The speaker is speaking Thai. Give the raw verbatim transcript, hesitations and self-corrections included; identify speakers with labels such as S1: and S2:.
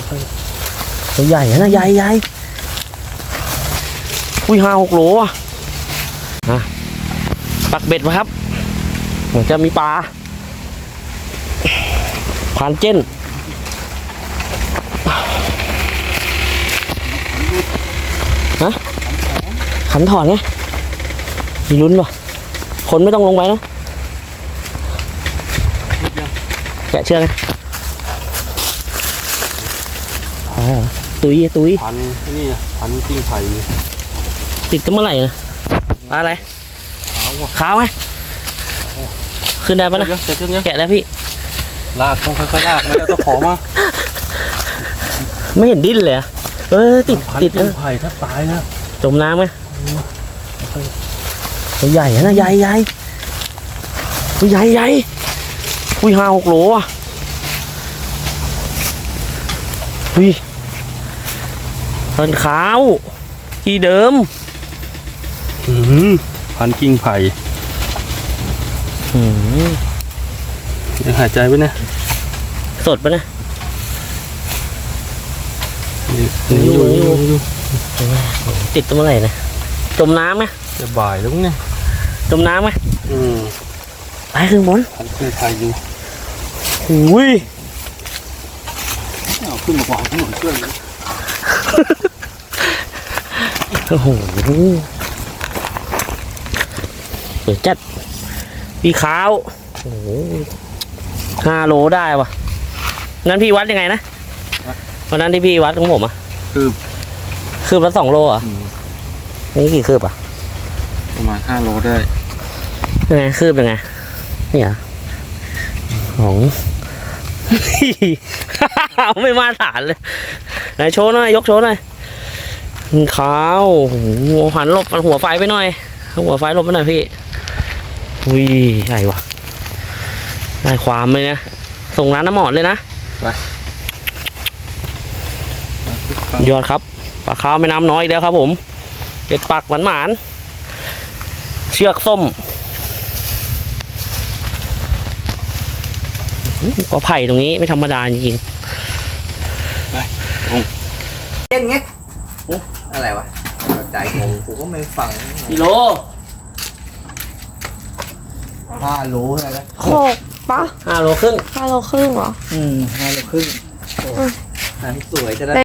S1: ตัวใหญ่นะใหญ่ใหญ่อุ้ยห้าหกโลอ่ะนะปักเบ็ดมาครับเหมือนจะมีปลาผ่านเจนฮะขันถอนไงมีลุ้นป่ะคนไม่ต้องลงไปนะแกะเชือกไงตุยตุย
S2: พันนี่พันกิ้งไผ่
S1: ติดกันเมื่อไหร่นะปลาอะไรขาวไหมขึ้นได้ปะนะแกะได้พี่
S2: ลากต้องค่อยๆลากไม่ต้องขอมา
S1: ไม่เห็นดิ้นเลยเออติดติด
S2: กิ้งไผ่ถ้าตายนะ
S1: จมน้ำไหมตัวใหญ่นะใหญ่ใหญ่ตัวใหญ่ใหญ่อุ้ยห้าหกโลอ่ะอุ้ยต้นขาวที่เดิม
S2: พันกิ้งไผ่ยังหายใจไว้นะ
S1: สดปะนะ
S2: นี่อยู่อยู่
S1: ติดตัวเมื่อไหร่นะจมน้ำไหม
S2: จะบ่ายแล้วเนี่ย
S1: จมน้ำไหม
S2: อืม
S1: ไปขึ้นบน
S2: พันกิ้งไผ่อยู่
S1: อุ้ย
S2: เอาขึ้นมากว่าขึ้นหน่อยเพื่อน
S1: โอ้โหเปิดจัดพี่ขาวโอ้โหห้าโลได้ปะงั้นพี่วัดยังไงนะวันนั้นที่พี่วัดของผมอะ
S2: คืบ
S1: คืบละสองโลอ่ะนี่กี่คืบอ่ะ
S2: ประมาณห้าโลได้
S1: ยังไงคืบยังไงนี่เหรอของ ไม่มาฐานเลยไหนโชว์หน่อยยกโชว์หน่อยขาวหัวหันหลบหัวไฟไปหน่อยหัวไฟหลบไปหน่อยพี่อุ้ยใหญ่ว่ะได้ความเลยนะส่งร้านน้ำหมอดเลยนะ
S2: ไป
S1: ยอดครับปลาขาวแม่น้ำน้อยแล้วครับผมเก็ดปักหวานหวานเชือกส้มก็ไผ่ตรงนี้ไม่ธรรมดาจริง
S2: ไป
S3: เจ๊งเงี้ยอะไรวะใจผมกูก็ไม่ฟัง
S1: กิโล
S3: ห้าโลอะไรนะ
S4: หกปะ
S1: ห้าโลครึ่ง
S4: ห้าโลครึ่งเหรอ
S3: อืมห้าโลครึ่งโอ้สวยจะได้